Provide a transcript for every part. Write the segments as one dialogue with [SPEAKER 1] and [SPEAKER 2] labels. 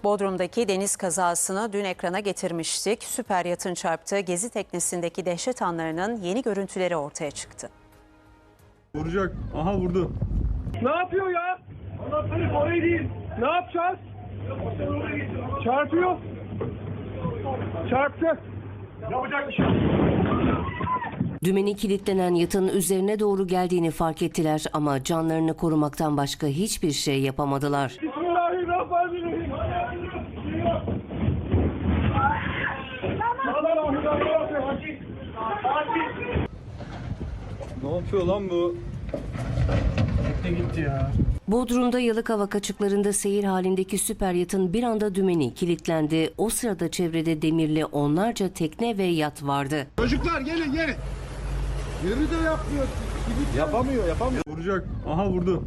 [SPEAKER 1] Bodrum'daki deniz kazasını dün ekrana getirmiştik. Süper yatın çarptığı gezi teknesindeki dehşet anlarının yeni görüntüleri ortaya çıktı.
[SPEAKER 2] Vuracak. Aha vurdu.
[SPEAKER 3] Ne yapıyor ya? Anahtarı oraya değil. Ne yapacağız? Çarpıyor. Çarptı. Yapacak bir şey yok.
[SPEAKER 4] Dümeni kilitlenen yatın üzerine doğru geldiğini fark ettiler ama canlarını korumaktan başka hiçbir şey yapamadılar.
[SPEAKER 3] Bismillahirrahmanirrahim.
[SPEAKER 2] Ne yapıyor lan bu?
[SPEAKER 3] Gitti ya.
[SPEAKER 4] Bodrum'da Yalıkavak açıklarında seyir halindeki süper yatın bir anda dümeni kilitlendi. O sırada çevrede demirli onlarca tekne ve yat vardı.
[SPEAKER 5] Çocuklar gelin. Yeri de yapmıyor.
[SPEAKER 2] Yapamıyor. Vuracak. Aha vurdu.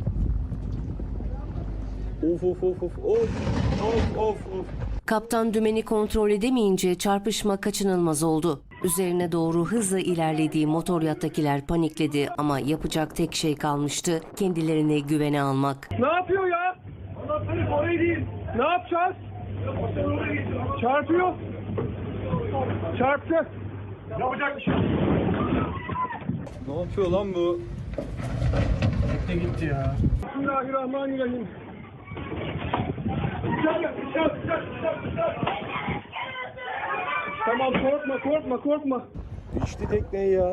[SPEAKER 2] Of.
[SPEAKER 4] Kaptan dümeni kontrol edemeyince çarpışma kaçınılmaz oldu. Üzerine doğru hızla ilerlediği motor yattakiler panikledi ama yapacak tek şey kalmıştı: kendilerini güvene almak.
[SPEAKER 3] Ne yapıyor ya? Anahtarı oraya değil. Ne yapacağız? Çarpıyor. Çarptı. Yapacak bir şey yok.
[SPEAKER 2] Ne yapıyor lan bu?
[SPEAKER 3] Gitti ya. Bismillahirrahmanirrahim. Tamam, korkma.
[SPEAKER 2] İçti tekneyi ya.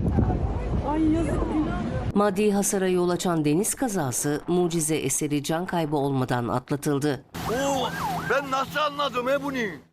[SPEAKER 4] Maddi hasara yol açan deniz kazası mucize eseri can kaybı olmadan atlatıldı.
[SPEAKER 6] Ben nasıl anladım bunu?